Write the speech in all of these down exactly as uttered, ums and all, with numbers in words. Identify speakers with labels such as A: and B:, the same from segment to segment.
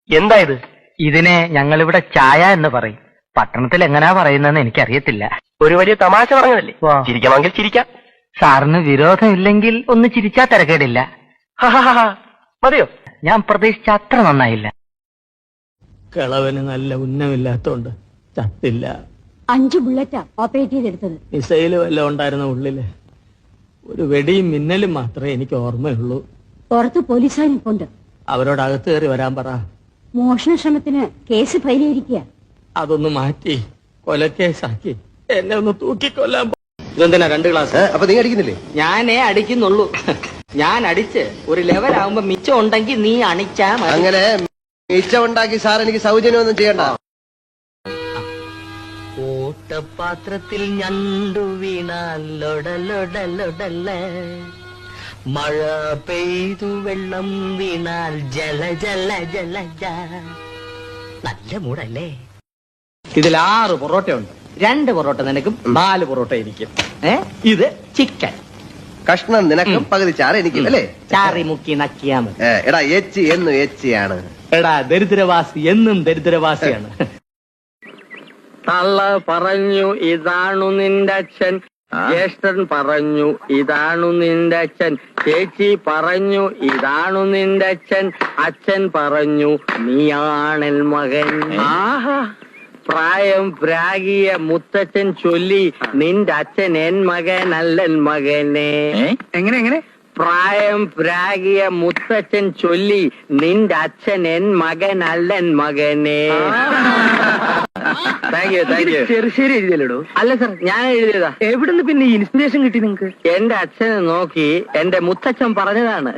A: എന്താ ഇത്?
B: ഇതിനെ ഞങ്ങളിവിടെ ചായ എന്ന് പറയും. പട്ടണത്തിൽ എങ്ങനെയാ പറയുന്നതെന്ന് എനിക്കറിയത്തില്ല.
A: ഒരു വലിയ തമാശ പറഞ്ഞതല്ലേ,
B: വാ.
A: ചിരിക്കണമെങ്കിൽ ചിരിക്കാം.
B: സാറിന് വിരോധമില്ലെങ്കിൽ ഒന്ന് ചിരിച്ചാ തിരക്കേടില്ല.
A: മതിയോ?
B: ഞാൻ പ്രതീക്ഷിച്ച അത്ര നന്നായില്ല.
C: കിളവന് നല്ല ഉന്നമില്ലാത്തോണ്ട് ചത്തില്ല.
D: അഞ്ചു ബുള്ളറ്റാ ഓപ്പറേറ്റ് ചെയ്തെടുത്തത്.
C: മിസൈല് വല്ലതും ഉണ്ടായിരുന്ന ഉള്ളില്. ഒരു വെടിയും മിന്നലും മാത്രമേ എനിക്ക് ഓർമ്മയുള്ളൂ.
D: പുറത്ത് പോലീസുകാർ നിൽപ്പുണ്ട്.
C: അവരോട് അകത്ത് കയറി വരാൻ പറ.
D: മോഷണ ശ്രമത്തിന് കേസ് ഫയൽ ചെയ്തിരിക്കുക.
C: അതൊന്ന് മാറ്റി കൊലക്കേസാക്കി എന്നെ ഒന്ന് തൂക്കിക്കൊല്ലാൻ. ഇതെന്തിനാ രണ്ട് ഗ്ലാസ്?
E: അപ്പൊ നീ അടിക്കുന്നില്ലേ?
C: ഞാനേ അടിക്കുന്നുള്ളൂ. ഞാൻ അടിച്ച് ഒരു ലെവലാവുമ്പോ മിച്ചം ഉണ്ടെങ്കിൽ നീ അണിച്ചാ മതി.
E: അങ്ങനെ മിച്ചം ഉണ്ടാക്കി സാർ എനിക്ക് സൗജന്യമൊന്നും ചെയ്യണ്ട.
F: ഓട്ടപാത്രത്തിൽ ഞണ്ടു വീണാൽ ലൊടലൊടലൊടല, മഴ പെയ്തു വെള്ളം വീണാൽ ജല ജല ജല ജ. നല്ല മൂടല്ലേ?
C: ഇതിൽ ആറ് പൊറോട്ട ഉണ്ട്. രണ്ട് പൊറോട്ട നിനക്കും നാല് പൊറോട്ട എനിക്കും. ഏ ഇത് ചിക്കൻ
E: കഷ്ണം നിനക്കും പകുതി ചാറ് എനിക്കും അല്ലേ?
C: ചാറി മുക്കി നക്കിയാ മതി.
E: എടാ എച്ചി എന്നും എച്ചിയാണ്.
C: എടാ ദരിദ്രവാസി എന്നും ദരിദ്രവാസിയാണ്. തള്ള പറഞ്ഞു ഇതാണു നിന്റെ അച്ഛൻ, ജ്യേഷ്ഠൻ പറഞ്ഞു ഇതാണു നിന്റെ അച്ഛൻ, ചേച്ചി പറഞ്ഞു ഇതാണു നിന്റെ അച്ഛൻ, അച്ഛൻ പറഞ്ഞു നീയാണൽ മകൻ. ആഹാ, പ്രായം പ്രാഗിയ മുത്തച്ഛൻ ചൊല്ലി നിന്റെ അച്ഛൻ എൻ മകൻ അല്ലൻ മകനെ.
B: എങ്ങനെ എങ്ങനെ?
C: പ്രായം പ്രാഗിയ മുത്തച്ഛൻ ചൊല്ലി നിന്റെ അച്ഛൻ എൻ മകൻ അല്ലൻ മകനെ. Thank you thank you.
B: Cherusseri എഴുതിയല്ലോ?
C: അല്ല സർ, ഞാൻ എഴുതിയതാ.
B: എവിടുന്ന് പിന്നെ ഇൻസ്പിറേഷൻ കിട്ടി നിങ്ങക്ക്?
C: എന്റെ അച്ഛനെ നോക്കി എന്റെ മുത്തച്ഛൻ പറഞ്ഞതാണ്.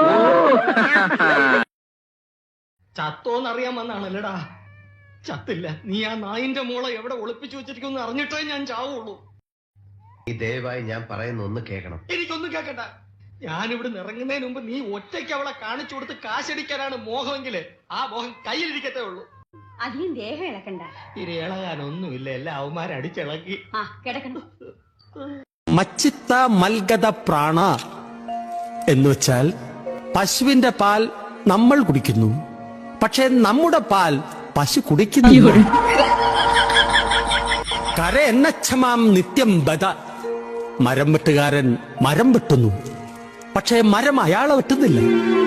C: ചത്തോന്നറിയാൻ വന്നാണല്ലടാ. ചത്തില്ല. നീ ആ നായിന്റെ മോളെ എവിടെ ഒളിപ്പിച്ചു വെച്ചിരിക്കുന്നു അറിഞ്ഞിട്ടേ ഞാൻ ചാവുള്ളൂ.
E: ഈ ദയവായി ഞാൻ പറയുന്ന ഒന്ന് കേൾക്കണം.
C: എനിക്കൊന്നും കേക്കണ്ട. ഞാനിവിടെ ഇറങ്ങുന്നതിന് മുമ്പ് നീ ഒറ്റയ്ക്ക് അവളെ കാണിച്ചു കൊടുത്ത് കാശടിക്കാനാണ് മോഹമെങ്കില് ആ മോഹം കയ്യിലിരിക്കത്തേ ഉള്ളൂ.
D: അധികം ദേഹം ഇളക്കണ്ട.
C: ഇനി ഇളകാനൊന്നുമില്ല, എല്ലാം അവന്മാരെ അടിച്ചിളക്കി.
D: ആ കിടക്കണ്ട.
G: മച്ചിത്ത മൽഗത പ്രാണ എന്ന് വെച്ചാൽ പശുവിന്റെ പാൽ നമ്മൾ കുടിക്കുന്നു, പക്ഷെ നമ്മുടെ പാൽ പശു കുടിക്കുന്നില്ല. കര എന്നച്ഛമാം നിത്യം ബദ. മരം വെട്ടുകാരൻ മരം വെട്ടുന്നു, പക്ഷേ മരം അയാളെ വെട്ടുന്നില്ല.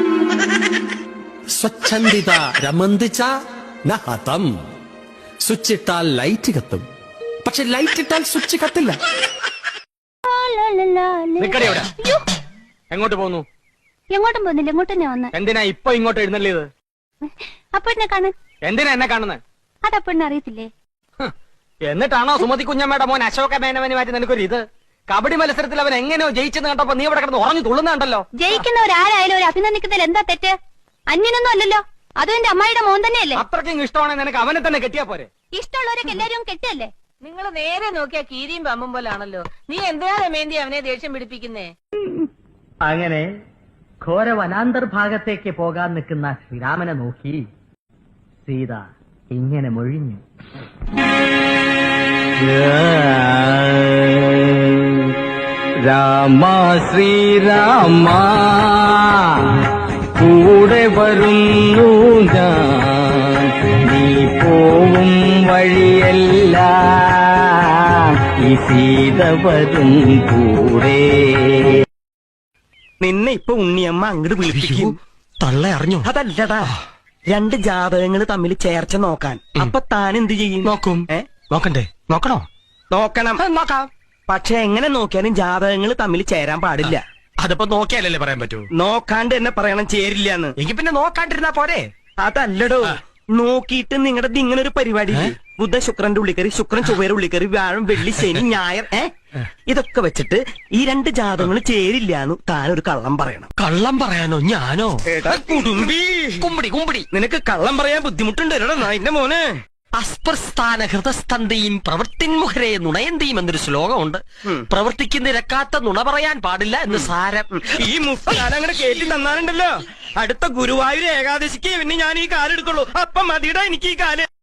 G: സ്വച്ഛന്ദിത രമന്തിച്ച നഹതം. സ്വിച്ച് ഇട്ടാൽ ലൈറ്റ് കത്തും, പക്ഷെ ലൈറ്റ് ഇട്ടാൽ സ്വിച്ച് കത്തില്ല.
C: എങ്ങോട്ട് പോകുന്നു?
D: എങ്ങോട്ടും പോകുന്നില്ല, ഇങ്ങോട്ട് തന്നെ വന്ന്.
C: എന്തിനാ ഇപ്പൊ ഇങ്ങോട്ട് എഴുന്നള്ളിയത്?
D: അപ്പൊ എന്നെ കാണാൻ.
C: എന്തിനാ എന്നെ കാണുന്നത്?
D: അതപ്പൊ എന്നെ അറിയത്തില്ലേ?
C: എന്നിട്ടാണോ സുമതി കുഞ്ഞമ്മയുടെ മോൻ അശോക മേനവന് മാറ്റി നിനക്കൊരു ഇത്? കബഡി മത്സരത്തിൽ അവൻ എങ്ങനെയോ ജയിച്ചെന്ന് കണ്ടപ്പോ നീ ഇവിടെ കിടന്ന് ഉറഞ്ഞു തുള്ളുന്നുണ്ടല്ലോ.
D: ജയിക്കുന്നവരാരായാലും ഒരു അഭിനന്ദിക്കുന്നതിൽ എന്താ തെറ്റ്? അന്യനൊന്നും അല്ലല്ലോ. അതും എന്റെ അമ്മായിയുടെ മോൻ തന്നെയല്ലേ.
C: അത്രയ്ക്കും ഇഷ്ടമാണെങ്കിൽ നിനക്ക് അവനെ തന്നെ കെട്ടിയാ പോരെ?
D: ഇഷ്ടമുള്ളവരൊക്കെ എല്ലാരും കെട്ടല്ലേ?
H: നിങ്ങൾ നേരെ നോക്കിയാ കീരിയും പമ്പും പോലാണല്ലോ. നീ എന്തിനാ രമേന്തി അവനെ ദേഷ്യം പിടിപ്പിക്കുന്നേ?
B: അങ്ങനെ ഘോര വനാന്തർഭാഗത്തേക്ക് പോകാൻ നിൽക്കുന്ന ശ്രീരാമനെ നോക്കി സീത ഇങ്ങനെ മൊഴിഞ്ഞു.
C: രാമ ശ്രീരാമ കൂടെ വരുന്നു ഞാൻ, നീ പോവും വഴിയല്ല ഈ സീത വരും കൂടെ.
F: നിന്നെ ഇപ്പൊ ഉണ്ണിയമ്മ അങ്ങോട്ട് വിളിപ്പിക്കും.
G: തള്ള അറിഞ്ഞോ?
F: അതല്ലടാ, രണ്ട് ജാതകങ്ങൾ തമ്മിൽ ചേർച്ച നോക്കാൻ. അപ്പൊ താൻ എന്ത് ചെയ്യും?
G: നോക്കും.
F: ഏ
G: നോക്കണ്ടേ? നോക്കണോ?
F: നോക്കണം. നോക്കാം. പക്ഷെ എങ്ങനെ നോക്കിയാലും ജാതകങ്ങൾ തമ്മിൽ ചേരാൻ പാടില്ല.
G: അതിപ്പോ നോക്കിയാലല്ലേ പറയാൻ പറ്റൂ?
F: നോക്കാണ്ട് എന്നെ പറയണം ചേരില്ലാന്ന്.
G: എങ്കിൽ പിന്നെ നോക്കാണ്ടിരുന്നാ പോരെ?
F: അതല്ലടോ, നോക്കിയിട്ട് നിങ്ങളുടെ ഇങ്ങനെ ഒരു പരിപാടി ബുധ ശുക്രന്റെ ഉള്ളിക്കറി, ശുക്രൻ ചൊവ്വയുടെ ഉള്ളിക്കറി, വ്യാഴം വെള്ളി ശനി ഞായർ, ഏ ഇതൊക്കെ വെച്ചിട്ട് ഈ രണ്ട് ജാതകങ്ങൾ ചേരില്ലാന്ന് താനൊരു കള്ളം പറയണം.
G: കള്ളം പറയാനോ? ഞാനോ?
F: കുടുംബി കുമ്പടി കുമ്പടി നിനക്ക് കള്ളം പറയാൻ ബുദ്ധിമുട്ടുണ്ട് എന്റെ മോനെ.
G: അസ്പ്രസ്ഥാന ഹൃദസ്തന്തയും പ്രവൃത്തിൻമുഖരെ നുണയന്തിയും എന്നൊരു ശ്ലോകമുണ്ട്. പ്രവർത്തിക്ക് നിരക്കാത്ത നുണ പറയാൻ പാടില്ല എന്ന് സാരം.
F: ഈ മുസ്താൻ അങ്ങനെ കേട്ടി തന്നാലുണ്ടല്ലോ, അടുത്ത ഗുരുവായൂർ ഏകാദശിക്ക് പിന്നെ ഞാൻ ഈ കാലെടുക്കുള്ളൂ. അപ്പം മതിയുടെ എനിക്ക് ഈ കാല്.